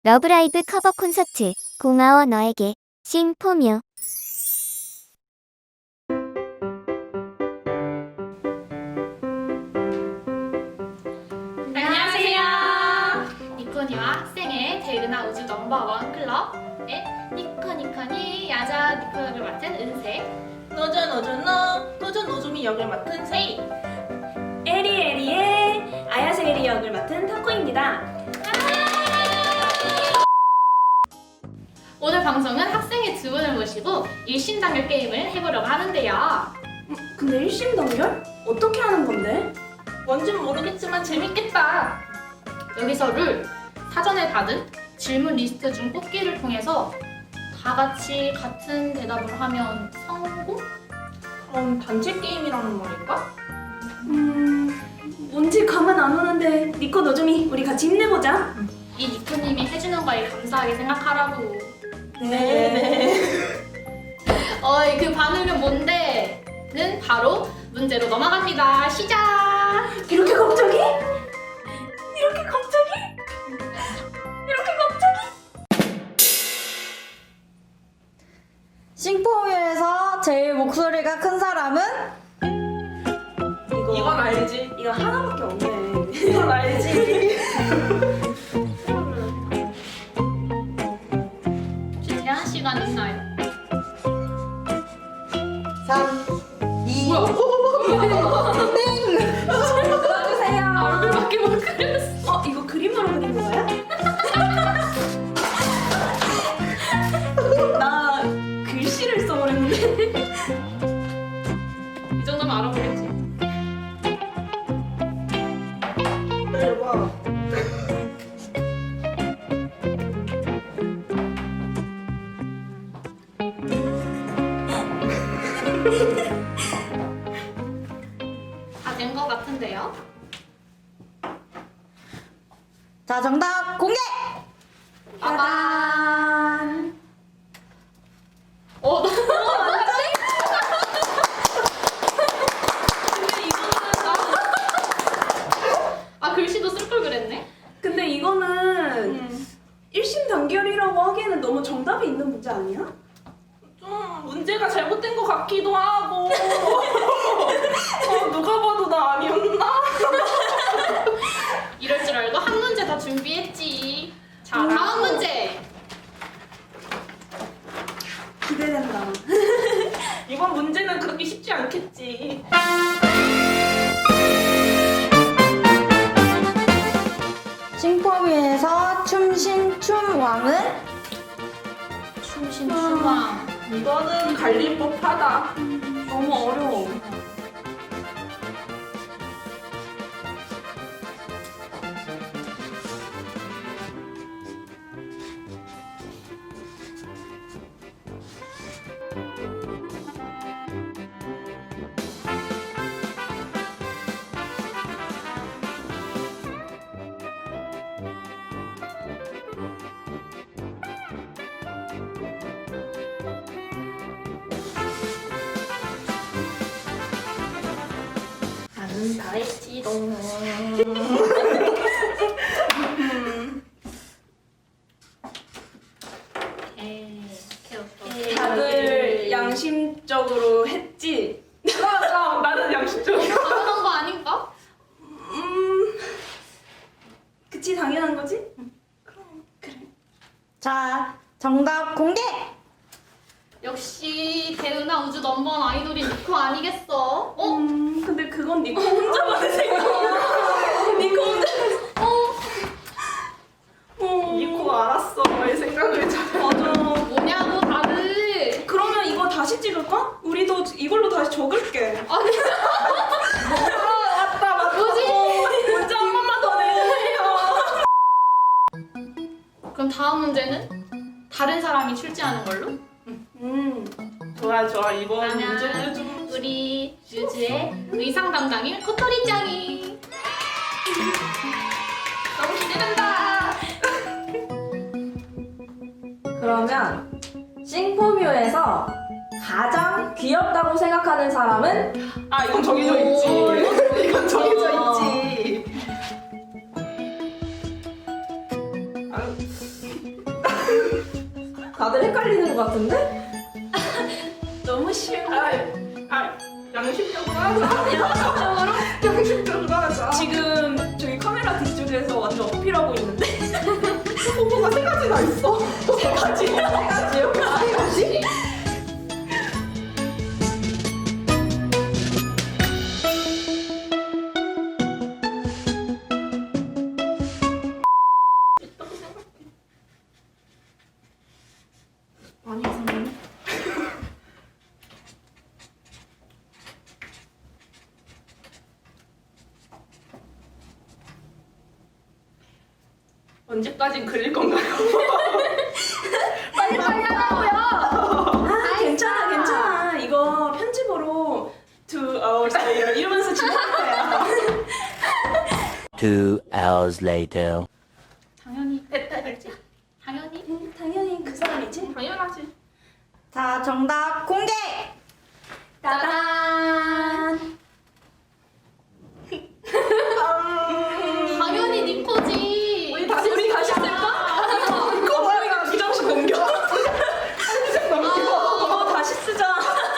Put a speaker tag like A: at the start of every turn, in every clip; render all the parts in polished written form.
A: 러브라이브 커버 콘서트 고마워 너에게 싱포뮤.
B: 안녕하세요. 니코니와 학생의 대은하 우주 넘버원 클럽의 니코니코니 야자 니코 역을 맡은 은세,
C: 노조 노조미 역을 맡은 세이.
D: 에리에리의 아야세리 역을 맡은 타코입니다.
B: 오늘 방송은 학생의 두 분을 모시고 일심단결 게임을 해보려고 하는데요.
D: 근데 일심단결? 어떻게 하는 건데?
C: 뭔진 모르겠지만 재밌겠다.
B: 여기서 룰, 사전에 받은 질문 리스트 중 뽑기를 통해서 다 같이 같은 대답을 하면 성공?
C: 그럼 단체 게임이라는 말일까?
D: 뭔지 감은 안 오는데 니코 노조미 우리 같이 힘내보자.
B: 이 니코님이 해주는 거에 감사하게 생각하라고.
C: 네.
B: 어이, 그 반응은 뭔데?는 바로 문제로 넘어갑니다. 시작!
D: 이렇게 갑자기? 이렇게 갑자기? 이렇게 갑자기?
E: 싱포뮤에서 제일 목소리가 큰 사람은?
C: 이건 알지.
D: 이거 하나밖에 없네.
C: 이건 알지.
B: 혹시 제한 시간 있나요?
E: 3, 2,
D: 들어주세요.
B: 얼굴밖에 못 그렸어.
D: 이거 그림으로 그린 거야? 나 글씨를 써버렸는데.
B: 이 정도면 알아보겠지.
C: 대박.
B: 다 된 것 같은데요?
E: 자, 정답 공개!
B: 빠밤! 나 근데 이거는 글씨도 쓸 걸 그랬네?
D: 근데 이거는 일심단결이라고 하기에는 너무 정답이 있는 문제 아니야?
C: 좀 문제가 잘못된 것 같기도 하고. 누가 봐도 나 아니었나?
B: 이럴 줄 알고 한 문제 다 준비했지. 자, 다음 문제!
D: 기대된다.
C: 이번 문제는 그렇게 쉽지 않겠지.
E: 싱포뮤에서 춤신춤왕은?
B: 춤신춤왕.
C: 이거는 갈릴 법하다.
D: 너무 어려워.
B: 나는 다 했지롱. 오케이.
D: 다들 양심적으로 했지?
C: 나는 양심적이야.
B: 당연한 거 아닌가?
D: 그치 당연한 거지?
E: 자, 정답 공개!
B: 역시 대은하 우주 넘버원 아이돌이 니코 아니겠어?
D: 근데 그건 니코 혼자만의 생각이야. 니코 혼자.
C: 니코가 알았어. 너의 생각을 잘.
D: 맞아.
B: 뭐냐고 다들.
D: 그러면 이거 다시 찍을까? 우리도 이걸로 다시 적을게.
B: 아니,
C: 맞다.
B: 뭐지?
D: 문제 한 번만 더 내주세요.
B: 그럼 다음 문제는 다른 사람이 출제하는 걸로?
C: 좋아. 이번
B: 그러면
C: 문제는 좀.
B: 우리 유주의 의상 담당인 코토리짱이. 너무 기대된다.
E: 그러면 싱포뮤에서 가장 귀엽다고 생각하는 사람은?
C: 이건 정해져 있지. 이건 정해져 있지.
E: 다들 헷갈리는 것 같은데?
D: 너무 쉬워.
C: 양심적으로 하자. 양심적으로 하자.
D: 지금 저기 카메라 뒤쪽에서 완전 어필하고 있는데.
C: 뭐가 세 가지나 있어.
D: 세 가지요?
C: 세 가지?
D: 많이 이상하네.
C: 언제까지 그릴 건가요?
B: 빨리 하라고요.
D: 아, 괜찮아. 이거 편집으로 2 hours later 이러면서 진행할 거야.
F: 2 hours later.
B: 당연히 됐지. 당연히.
D: 당연히 그 사람이지.
C: 당연하지.
E: 자, 정답 공개!
D: 따단.
B: 당연히 니코지.
C: 우리 다시 쓸까? 이거 뭐야? 이거 부정식 넘겨. 부정식 넘겨.
D: 이거 다시 쓰자.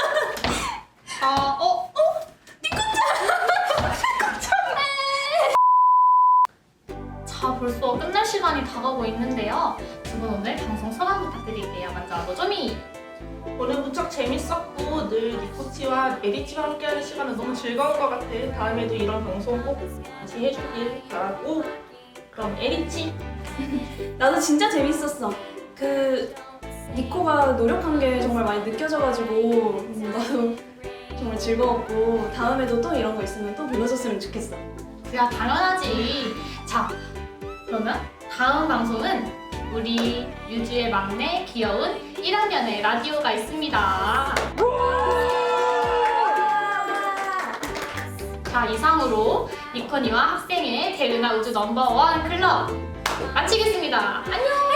B: 자, 벌써 끝날 시간이 다가오고 있는데요. 두 분 오늘 방송 소감 부탁드릴게요. 먼저 노조미.
C: 오늘 무척 재밌었고 늘 니코치와 에리치와 함께하는 시간은 너무 즐거운 것 같아. 다음에도 이런 방송 꼭 같이 해주길 바라고. 그럼 에리치.
D: 나도 진짜 재밌었어. 그 니코가 노력한 게 정말 많이 느껴져가지고 나도 정말 즐거웠고 다음에도 또 이런 거 있으면 또 불러줬으면 좋겠어.
B: 그야 당연하지. 자, 그러면 다음 방송은 우리 유주의 막내 귀여운 1학년의 라디오가 있습니다. 자, 이상으로 니코니와 학생의 대은하 우주 넘버원 클럽 마치겠습니다. 안녕!